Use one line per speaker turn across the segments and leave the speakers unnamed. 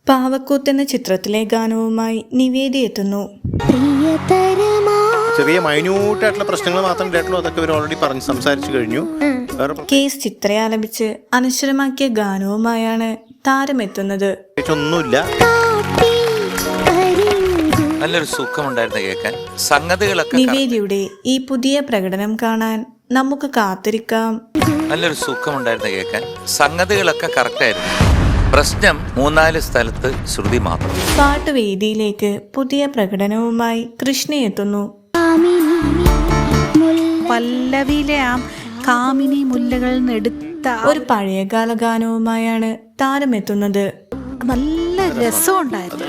പാവക്കൂത്ത് എന്ന ചിത്രത്തിലെ ഗാനവുമായി നിവേദി എത്തുന്നു.
ചെറിയ മൈന്യൂട്ടായിട്ടുള്ള പ്രശ്നങ്ങൾ മാത്രം കേട്ടുള്ളൂ, അതൊക്കെ ഇവർ ഓൾറെഡി പറഞ്ഞ് സംസാരിച്ചു കഴിഞ്ഞു.
കേസ് ചിത്രയെ ആലപിച്ച് അനശ്വരമാക്കിയ ഗാനവുമായാണ് താരമെത്തുന്നത്.
ഒന്നുമില്ല,
നല്ലൊരു സുഖമുണ്ടായിരുന്നു കേൾക്കാൻ. സംഗതികളൊക്കെ
നിവേദിയുടെ ഈ പുതിയ പ്രകടനം കാണാൻ നമുക്ക് കാത്തിരിക്കാം.
നല്ലൊരു സുഖമുണ്ടായിരുന്നു കേൾക്കാൻ. സംഗതികളൊക്കെ കറക്റ്റായിരുന്നു. പ്രശ്നം 3-4 സ്ഥലത്ത് ശ്രുതി മാത്രം.
പാട്ടുവേദിയിലേക്ക് പുതിയ പ്രകടനവുമായി കൃഷ്ണ എത്തുന്നു.
പല്ലവിയിലെ ആ കാമിനി മുല്ലകൾ എടുത്ത
ഒരു പഴയകാല ഗാനവുമായാണ് താരമെത്തുന്നത്.
നല്ല രസമുണ്ടായിരുന്നു.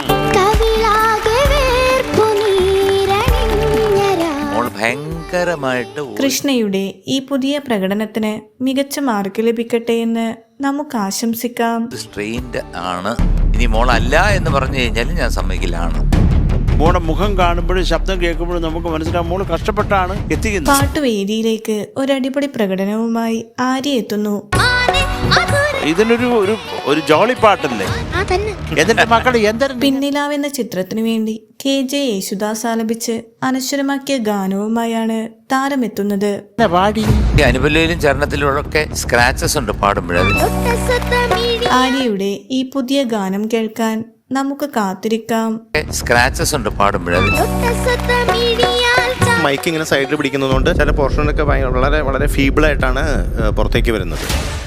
ഭയങ്കരമായിട്ട്
കൃഷ്ണയുടെ ഈ പുതിയ പ്രകടനത്തിന് മികച്ച മാർക്ക് ലഭിക്കട്ടെ എന്ന് നമുക്ക് ആശംസിക്കാം.
സ്ട്രെയിൻഡ് ആണ്. ഇനി മോളല്ല എന്ന് പറഞ്ഞു കഴിഞ്ഞാലും ഞാൻ സമ്മതിക്കില്ലാണ്.
മോളുടെ മുഖം കാണുമ്പോഴും ശബ്ദം കേൾക്കുമ്പോഴും നമുക്ക് മനസ്സിലാവും മോള് കഷ്ടപ്പെട്ടാണ് എത്തിക്കുന്നത്.
പാട്ടുവേദിയിലേക്ക് ഒരടിപൊളി പ്രകടനവുമായി ആര്യ എത്തുന്നു.
ഇതിനൊരു ഒരു ജോളി പാട്ടല്ലേ എന്നിട്ട് മക്കളെ എന്തൊരു
പിന്നിലാവ് എന്ന ചിത്രത്തിനു വേണ്ടി KJ യേശുദാസ് ആലപിച്ച് അനശ്വരമാക്കിയ ഗാനവുമായാണ് താരമെത്തുന്നത്.
അനുപല്ലയിലും ചരണത്തിലൊക്കെ സ്ക്രാച്ചസ് ഉണ്ട് പാടുമ്പോഴത്.
ആര്യയുടെ ഈ പുതിയ ഗാനം കേൾക്കാൻ നമുക്ക് കാത്തിരിക്കാം.
സ്ക്രാച്ചസ് ഉണ്ട് പാടുമ്പോഴത്.
മൈക്ക് ഇങ്ങനെ സൈഡിൽ പിടിക്കുന്നതുകൊണ്ട് ചില പോർഷനൊക്കെ വളരെ വളരെ ഫീബിളായിട്ടാണ് പുറത്തേക്ക് വരുന്നത്.